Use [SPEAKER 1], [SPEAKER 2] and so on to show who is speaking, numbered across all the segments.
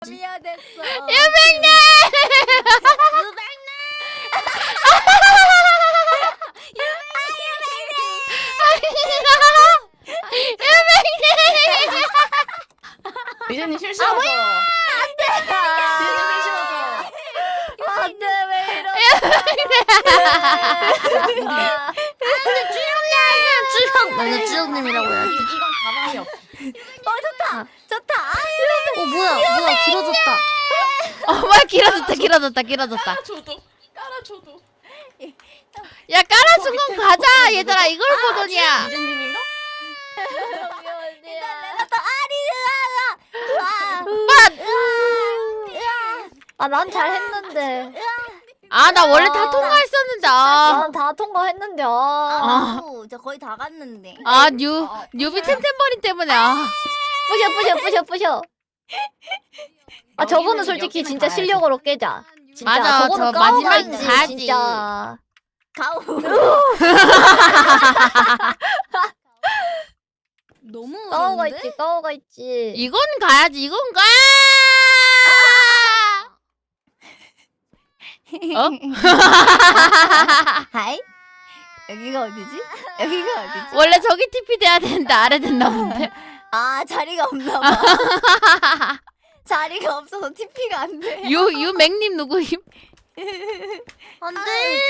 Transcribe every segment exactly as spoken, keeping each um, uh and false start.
[SPEAKER 1] 미안했어.
[SPEAKER 2] 유백님!
[SPEAKER 3] 미제님 실수하죠. 안돼. 미제님 실수하죠.
[SPEAKER 1] 안돼 왜 이러냐.
[SPEAKER 2] 주영! 나는 주영님이라고 해야지.
[SPEAKER 3] 이건 가망이 없어.
[SPEAKER 1] 어 좋다 좋다.
[SPEAKER 2] 어 뭐야 뭐야 길어졌다. 어 뭐야 길어졌다 길어졌다 길어졌다.
[SPEAKER 3] 깔아줘도 깔아줘도.
[SPEAKER 2] 야 깔아준 건 가자 얘들아 이걸 보더니야.
[SPEAKER 3] 미제님인가?
[SPEAKER 1] 아 난 잘했는데.
[SPEAKER 2] 아 나 원래 다 통과했었는데 아.
[SPEAKER 1] 난 다 통과했는데. 아.
[SPEAKER 2] 아.
[SPEAKER 4] 나도 저 거의 다 갔는데.
[SPEAKER 2] 아 뉴 뉴비 템템버린 때문에 아.
[SPEAKER 1] 부셔 부셔 부셔 부셔. 아 저거는 솔직히
[SPEAKER 3] 여기는
[SPEAKER 1] 진짜
[SPEAKER 3] 가야지.
[SPEAKER 1] 실력으로 깨자. 진짜
[SPEAKER 2] 맞아,
[SPEAKER 1] 저거는
[SPEAKER 2] 저 마지막
[SPEAKER 1] 까먹어야지,
[SPEAKER 2] 가야지.
[SPEAKER 1] 진짜.
[SPEAKER 4] 가오. 너무
[SPEAKER 1] 까오가
[SPEAKER 4] 어려운데?
[SPEAKER 1] 있지 까오가 있지.
[SPEAKER 2] 이건 가야지 이건 가. 어?
[SPEAKER 4] 하이? 여기가 어디지? 여기가 어디지?
[SPEAKER 2] 원래 저기 티피 돼야 되는데 아래 됐나 본데.
[SPEAKER 4] 아 자리가 없나 봐. 자리가 없어서 티피가 안 돼.
[SPEAKER 2] 유 유맹님 누구임?
[SPEAKER 4] 안돼.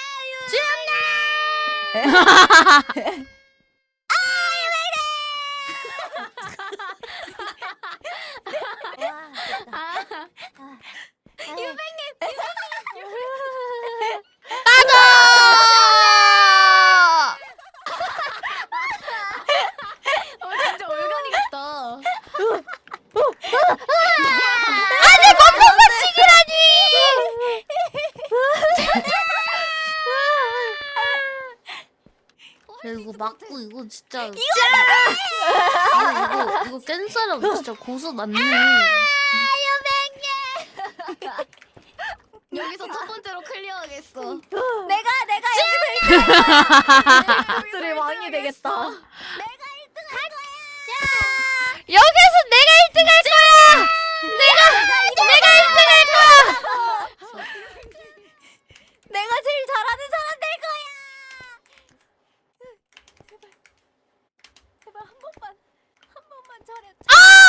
[SPEAKER 2] 따져!
[SPEAKER 4] 어 진짜 올가니겠다.
[SPEAKER 2] 아니 멈춰 치기라니! 야, 이거 맞고 이거 진짜 이거 이거 이거 깬 사람 진짜 고수 맞네.
[SPEAKER 4] 여기서 첫 번째로 클리어하겠어.
[SPEAKER 1] 내가 내가 여기서 일 왕이 되겠다.
[SPEAKER 2] 여기서 내가 일 등 할 거야. 내가 내가 일 등 할 거야.
[SPEAKER 1] 내가 제일 잘하는 사람 될 거야. 제발 한 번만 한 번만 잘해.
[SPEAKER 2] 아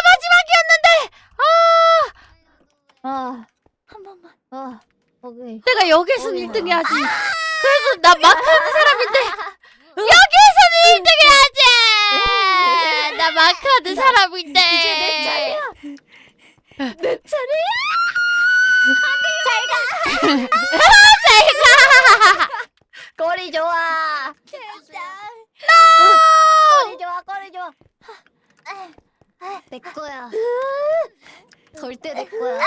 [SPEAKER 2] 마지막이었는데. 아
[SPEAKER 1] 아, 한 번만. 아, 오케이.
[SPEAKER 2] 내가 여기서는
[SPEAKER 1] 어이구야.
[SPEAKER 2] 일 등 해야지. 그래서 나 마크 하는 사람인데 여기서는 일 등 해야지. 나 마크 하는 사람인데.
[SPEAKER 1] 이제 내 차례야. 내 차례야.
[SPEAKER 2] 잘 가.
[SPEAKER 1] 꼬리 좋아.
[SPEAKER 4] 진짜.
[SPEAKER 1] 꼬리 좋아. 꼬리 좋아.
[SPEAKER 4] 내 거야. 절대 내 거야.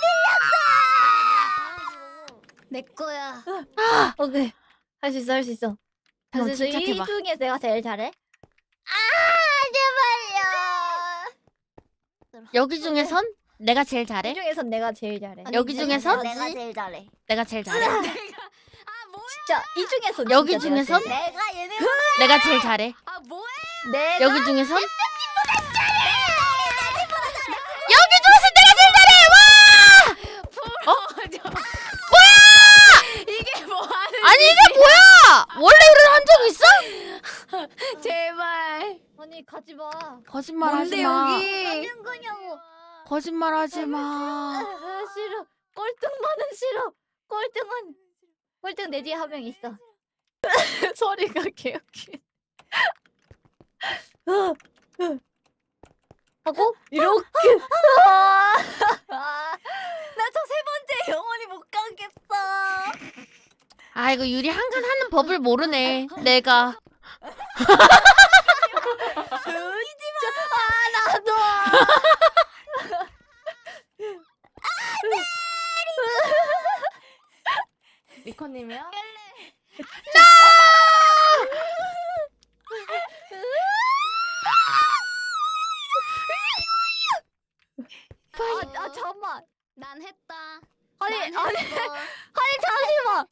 [SPEAKER 4] 내 거야.
[SPEAKER 1] 오케이. 할 수 있어. 할 수 있어.
[SPEAKER 2] 다시
[SPEAKER 1] 그래서 이
[SPEAKER 2] 침착해봐.
[SPEAKER 1] 중에 내가 제일 잘해?
[SPEAKER 2] 여기 중에선 내가 제일
[SPEAKER 1] 이
[SPEAKER 2] 잘해.
[SPEAKER 1] 중에선 내가 제일 잘해.
[SPEAKER 2] 여기 중에선?
[SPEAKER 4] 내가 제일 잘해.
[SPEAKER 2] 내가 제일 잘해.
[SPEAKER 4] 아 뭐야?
[SPEAKER 1] 진짜 이 중에선
[SPEAKER 2] 여기
[SPEAKER 1] 진짜 내가
[SPEAKER 2] 중에선?
[SPEAKER 1] 제일 잘해.
[SPEAKER 4] 내가 얘네.
[SPEAKER 2] 내가 제일 잘해.
[SPEAKER 4] 아 뭐야?
[SPEAKER 1] 내가
[SPEAKER 2] 여기 중에선 여기 중에서 내가 제일 잘해. 와! 어? 뭐야?
[SPEAKER 4] 이게 뭐 하는?
[SPEAKER 2] 아니 이게 뭐야? 원래 이런 한적 있어?
[SPEAKER 4] 제발.
[SPEAKER 1] 아니 가지 마.
[SPEAKER 2] 거짓말 하지
[SPEAKER 4] 뭔데
[SPEAKER 2] 마.
[SPEAKER 4] 여기?
[SPEAKER 1] 하는 거냐고.
[SPEAKER 2] 거짓말 하지
[SPEAKER 1] 아,
[SPEAKER 2] 마.
[SPEAKER 1] 싫어. 꼴등만은 싫어. 꼴등은 꼴등 내 뒤에 한 명 있어. 소리가 개웃기. 하고 이렇게.
[SPEAKER 4] 나 저 세 번째 영원히 못 가겠어.
[SPEAKER 2] 아 이거 유리 한칸 하는 법을 모르네. 내가.
[SPEAKER 1] 나도.
[SPEAKER 3] 리코님이요?
[SPEAKER 1] 아, 아 잠만.
[SPEAKER 4] 난 했다.
[SPEAKER 1] 아니
[SPEAKER 4] 난
[SPEAKER 1] 아니
[SPEAKER 4] 했어.
[SPEAKER 1] 아니 잠시만.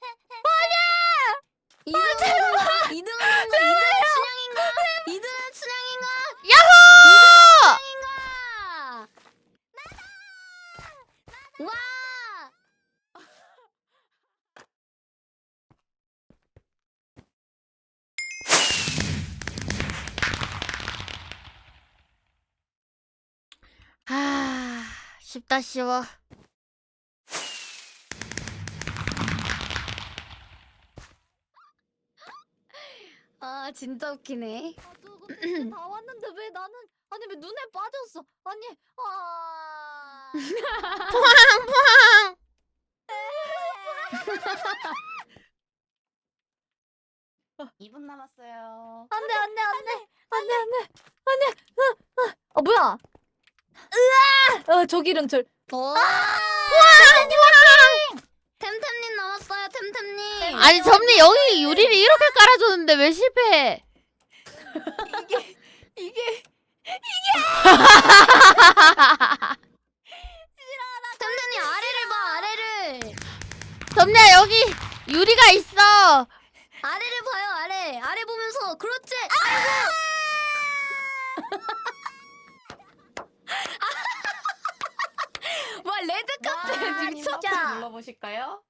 [SPEAKER 4] 이등은 이등은 이등은 춘향인가? 이등은 춘향인가?
[SPEAKER 2] 야호!
[SPEAKER 4] 춘향인가?
[SPEAKER 3] 와.
[SPEAKER 2] 아, 쉽다 쉬워.
[SPEAKER 3] 아 진짜 웃기네.
[SPEAKER 1] 아, 저거 멘트 다 왔는데 왜 나는 아니 왜 눈에 빠졌어? 아니 아.
[SPEAKER 2] 포항 포항.
[SPEAKER 4] 이 분 남았어요.
[SPEAKER 1] 안돼 안돼 안돼 안돼 안돼 안돼. 어 뭐야? 으아! 어 조기름철.
[SPEAKER 3] 어.
[SPEAKER 2] 포항 포항.
[SPEAKER 3] 템템님 나왔어요. 템템님.
[SPEAKER 2] 아니 점리 여기 유리를 이렇게 깔아줬는데 왜 실패해?
[SPEAKER 4] 이게
[SPEAKER 3] 템템님 아래를 봐. 아래를.
[SPEAKER 2] 점리야 여기 유리가 있어.
[SPEAKER 3] 아래를 봐요. 아래. 아래 보면서 그렇지.
[SPEAKER 1] 와 레드 카페 미쳤다.
[SPEAKER 4] 진짜 눌러보실까요?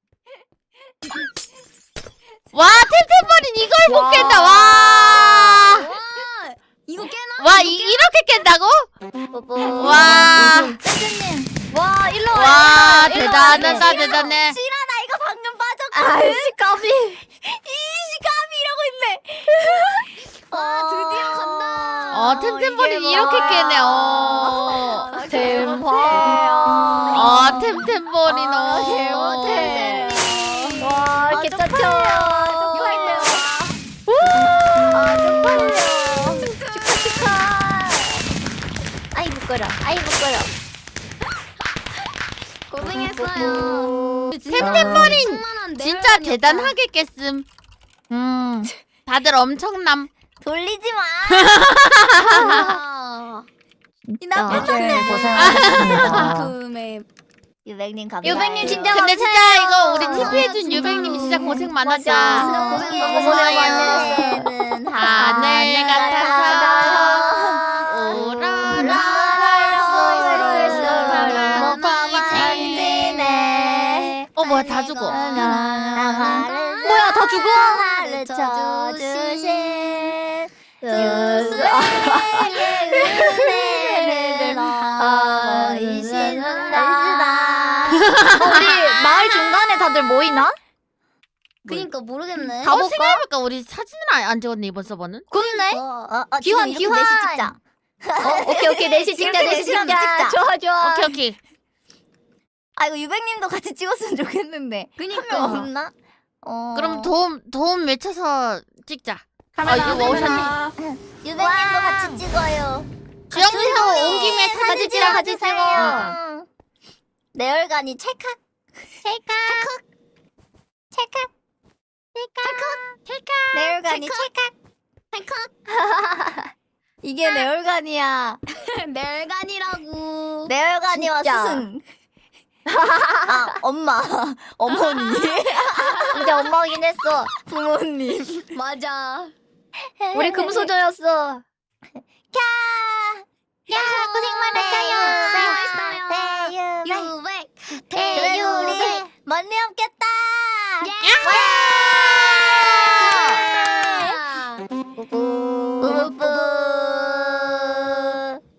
[SPEAKER 2] 와 템템버린 이걸 못
[SPEAKER 1] 와.
[SPEAKER 2] 깬다. 와.
[SPEAKER 3] 와. 이거 깨나?
[SPEAKER 2] 와 이, 이렇게 깬다고?
[SPEAKER 1] 뽀뽀.
[SPEAKER 2] 와.
[SPEAKER 1] 쌤쌤님. 와 일로 와.
[SPEAKER 2] 와
[SPEAKER 1] 일로 와, 일로 와.
[SPEAKER 2] 대단하다 대단해.
[SPEAKER 4] 싫어 나 이거 방금 빠졌거든.
[SPEAKER 1] 아이씨 까비.
[SPEAKER 4] 이시감이 이러고 있네.
[SPEAKER 3] 와 드디어 간다.
[SPEAKER 2] 어 템템버린 이렇게 깨네. 어.
[SPEAKER 1] 아, 대박.
[SPEAKER 2] 아 템템버린
[SPEAKER 1] 아,
[SPEAKER 2] 어.
[SPEAKER 1] 대박. 와
[SPEAKER 3] 아,
[SPEAKER 1] 개짜쳐.
[SPEAKER 3] 쪽팔려.
[SPEAKER 1] 아 쪽팔려. 축하 축하. 아이 부끄러. 아이 부끄러.
[SPEAKER 3] 고생했어요.
[SPEAKER 2] 템템버린
[SPEAKER 3] 충만한
[SPEAKER 2] 진짜
[SPEAKER 3] 내열관이었다.
[SPEAKER 2] 대단하게 깼음. 음 다들 엄청남.
[SPEAKER 4] 돌리지 마.
[SPEAKER 3] 아.
[SPEAKER 4] 이 나쁜
[SPEAKER 1] 네,
[SPEAKER 4] 놈들.
[SPEAKER 1] 고생하셨습니다.
[SPEAKER 3] 금에
[SPEAKER 4] 유백님 감사해요.
[SPEAKER 1] 유백님 진짜
[SPEAKER 2] 근데 진짜
[SPEAKER 1] 감사해요.
[SPEAKER 2] 이거 우리
[SPEAKER 3] 아,
[SPEAKER 2] 티피해준
[SPEAKER 3] 진짜로.
[SPEAKER 2] 유백님이 진짜 고생
[SPEAKER 1] 맞아.
[SPEAKER 2] 많았다.
[SPEAKER 1] 진짜 고생
[SPEAKER 4] 고생
[SPEAKER 1] 너무
[SPEAKER 4] 많았어요.
[SPEAKER 2] 하늘 같아서 오라라 어 뭐야 다 죽어.
[SPEAKER 1] 뭐야 다 죽어?
[SPEAKER 4] 가르쳐 주신
[SPEAKER 1] 은혜를
[SPEAKER 4] 어이시는 날쓰다.
[SPEAKER 1] 우리 마을 중간에 다들 모이나?
[SPEAKER 3] 그니까 모르겠네.
[SPEAKER 1] 가-
[SPEAKER 2] 어
[SPEAKER 1] 가볼까?
[SPEAKER 2] 생각해볼까 우리 사진을 안, 안 찍었네 이번 서버는.
[SPEAKER 1] 그렇네.
[SPEAKER 4] 어, 어, 어,
[SPEAKER 1] 기환,
[SPEAKER 4] 지금 이렇게
[SPEAKER 1] 기환.
[SPEAKER 4] 넷이 찍자.
[SPEAKER 1] 어, 오케이 오케이 넷이 찍자
[SPEAKER 4] 이렇게
[SPEAKER 1] 넷이
[SPEAKER 4] 넷이랑
[SPEAKER 1] 찍자.
[SPEAKER 4] 찍자.
[SPEAKER 1] 좋아 좋아.
[SPEAKER 2] 오케이 오케이.
[SPEAKER 4] 아 이거 유백님도 같이 찍었으면 좋겠는데.
[SPEAKER 3] 그니까.
[SPEAKER 4] 한 명 없나? 어.
[SPEAKER 2] 그럼 도움 도움 외쳐서 찍자.
[SPEAKER 1] 카메라,
[SPEAKER 2] 아 이거 오셨네.
[SPEAKER 4] 유백님도 같이 찍어요.
[SPEAKER 2] 주영님도 온 김에
[SPEAKER 1] 같이
[SPEAKER 2] 사진
[SPEAKER 1] 찍어,
[SPEAKER 2] 찍어.
[SPEAKER 1] 같이 찍어.
[SPEAKER 4] 어. 내 얼간이 찰칵.
[SPEAKER 1] 찰칵
[SPEAKER 4] 찰칵.
[SPEAKER 2] 찰칵.
[SPEAKER 4] 내 얼간이 찰칵.
[SPEAKER 3] 찰칵.
[SPEAKER 4] 이게 내 얼간이야.
[SPEAKER 3] 넬간이라고.
[SPEAKER 4] 내 얼간이와
[SPEAKER 1] 진짜.
[SPEAKER 4] 스승. 아 엄마, 어머니,
[SPEAKER 1] 진짜 엄마긴 했어.
[SPEAKER 4] 부모님.
[SPEAKER 3] 맞아.
[SPEAKER 1] 우리 금소저였어.
[SPEAKER 4] 캬.
[SPEAKER 1] 야 고생